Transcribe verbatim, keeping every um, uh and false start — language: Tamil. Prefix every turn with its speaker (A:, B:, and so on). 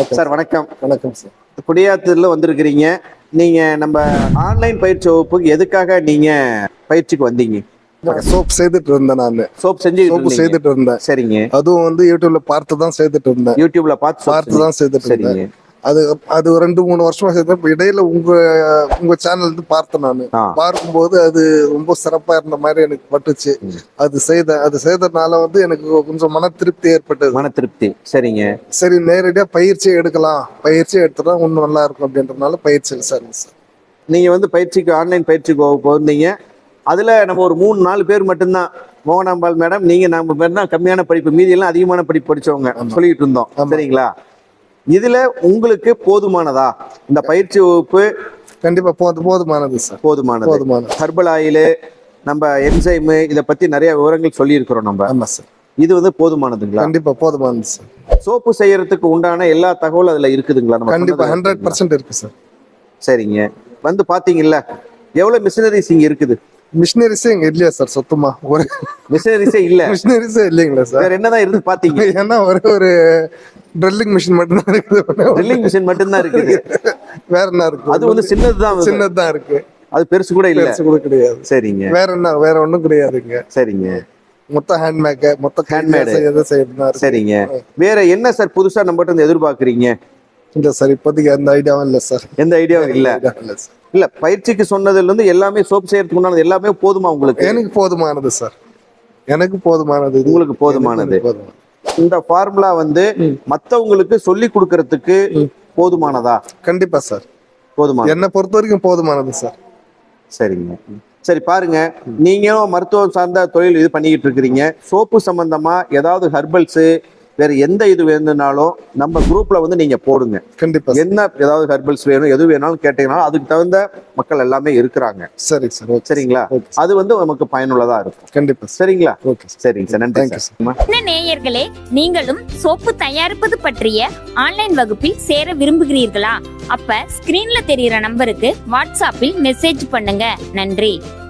A: சார் வணக்கம்.
B: வணக்கம் சார்.
A: குடியாத்தூர்ல வந்திருக்கிறீங்க. நீங்க நம்ம ஆன்லைன் பயிற்சி வகுப்புக்கு எதுக்காக நீங்க பயிற்சிக்கு வந்தீங்க?
B: சோப் செய்துட்டு இருந்தேன். நான்
A: சோப் செஞ்சு
B: சோப்பு செய்துட்டு இருந்தேன்.
A: சரிங்க.
B: அதுவும் வந்து யூடியூப்ல பார்த்து தான் செய்துட்டு இருந்தேன்.
A: யூடியூப்ல பார்த்து
B: பார்த்து தான் செய்துட்டு இருந்தேன். அது அது ரெண்டு மூணு வருஷமா செய்தேன். இடையில உங்க உங்க சேனல் இருந்து பார்த்தேன். நான் பார்க்கும்போது அது ரொம்ப சிறப்பா இருந்த மாதிரி எனக்கு பட்டுச்சு. அது செய்த அது செய்ததுனால வந்து எனக்கு கொஞ்சம் மன திருப்தி ஏற்பட்டது.
A: மன திருப்தி. சரிங்க.
B: சரி, நேரடியா பயிற்சி எடுக்கலாம், பயிற்சி எடுத்துட்டா இன்னும் நல்லா இருக்கும் அப்படின்றதுனால பயிற்சியில் சார் சார்
A: நீங்க வந்து பயிற்சிக்கு ஆன்லைன் பயிற்சிக்கு போயிருந்தீங்க. அதுல நம்ம ஒரு மூணு நாலு பேர் மட்டும்தான், மோகனாம்பாள் மேடம், நீங்க நம்ம பேர் தான் கம்மியான படிப்பு, மீதி எல்லாம் அதிகமான படிப்பு படிச்சவங்க சொல்லிட்டு இருந்தோம். சரிங்களா? இதுல உங்களுக்கு போதுமானதா இந்த பயிற்சி வகுப்பு?
B: கண்டிப்பா போது போதுமானது சார்.
A: போதுமானது.
B: போதுமானது.
A: ஹெர்பல் ஆயில், நம்ம என்சைம், இதை பத்தி நிறைய விவரங்கள் சொல்லி இருக்கிறோம் நம்ம.
B: ஆமா சார்.
A: இது வந்து போதுமானதுங்களா?
B: கண்டிப்பா போதுமானது சார்.
A: சோப்பு செய்யறதுக்கு உண்டான எல்லா தகவலும் அதுல இருக்குதுங்களா?
B: கண்டிப்பா ஹண்ட்ரட் பர்சன்ட் இருக்கு சார்.
A: சரிங்க. வந்து பாத்தீங்கல்ல எவ்வளவு மிஷினரிஸ் இங்க இருக்குது?
B: மிஷினரிஸே இங்க இல்லையா சார்? சுத்தமா ஒரு
A: மிஷினரிஸே இல்ல.
B: மிஷினரிஸே இல்லைங்களா சார்?
A: வேற என்னதான் இருந்து பாத்தீங்க?
B: ஏன்னா ஒரே ஒரு ட்ரில்லிங் மிஷின் மட்டும் தான் இருக்குது.
A: ட்ரில்லிங் மிஷின் மட்டும் தான் இருக்குது.
B: வேற என்ன இருக்கு?
A: அது வந்து சின்னதுதான்.
B: சின்னதுதான் இருக்கு.
A: அது பெருசு கூட இல்ல.
B: பெருசு கூட கிடையாது.
A: சரிங்க.
B: வேற என்ன? வேற ஒண்ணும் கிடையாதுங்க.
A: சரிங்க.
B: மொத்த ஹேண்ட்மேக், மொத்த ஹேண்ட்மேட் எதை செய்யறதா?
A: சரிங்க. வேற என்ன சார் புதுசா நம்ம கிட்ட எதிர்பார்க்கறீங்க?
B: இல்ல சார், இப்போதைக்கு அந்த ஐடியாவும் இல்ல சார்.
A: எந்த ஐடியாவும் இல்ல. இல்ல, பயிற்சிக்கு சொன்னதுல இருந்து எல்லாமே சோப் செய்யறதுக்கு முன்னாடி எல்லாமே போதுமா உங்களுக்கு?
B: எனக்கு போதுமானது சார். எனக்கு போதுமானது.
A: உங்களுக்கு போதுமானது. இந்த ஃபார்முலா வந்து மத்தவங்களுக்கு சொல்லி கொடுக்கறதுக்கு போதுமானதா?
B: கண்டிப்பா சார்,
A: போதுமானது.
B: என்னை பொறுத்த வரைக்கும் போதுமானது சார்.
A: சரிங்க. சரி, பாருங்க, நீங்களும் மருத்துவம் சார்ந்த தொழில் இது பண்ணிக்கிட்டு இருக்கிறீங்க. சோப்பு சம்பந்தமா ஏதாவது ஹெர்பல்ஸ் வேற எந்த இது வேணும்னாலும் நம்ம குரூப்ல வந்து நீங்க போடுங்க.
B: கண்டிப்பா.
A: என்ன ஏதாவது ஹெர்பல்ஸ் வேணும், எது வேணாலும் கேட்டீங்கன்னா அதுக்கு தகுந்த மக்கள் எல்லாமே இருக்கிறாங்க.
B: சரி சார்.
A: சரிங்களா? அது வந்து நமக்கு பயனுள்ளதா இருக்கும்.
B: கண்டிப்பா.
A: சரிங்களா?
B: ஓகே.
A: சரிங்க சார், நன்றி சார்.
C: நேயர்களே, நீங்களும் சோப்பு தயாரிப்பது பற்றிய ஆன்லைன் வகுப்பில் சேர விரும்புகிறீர்களா? அப்ப ஸ்கிரீன்ல தெரியுற நம்பருக்கு வாட்ஸ்அப்பில் மெசேஜ் பண்ணுங்க. நன்றி.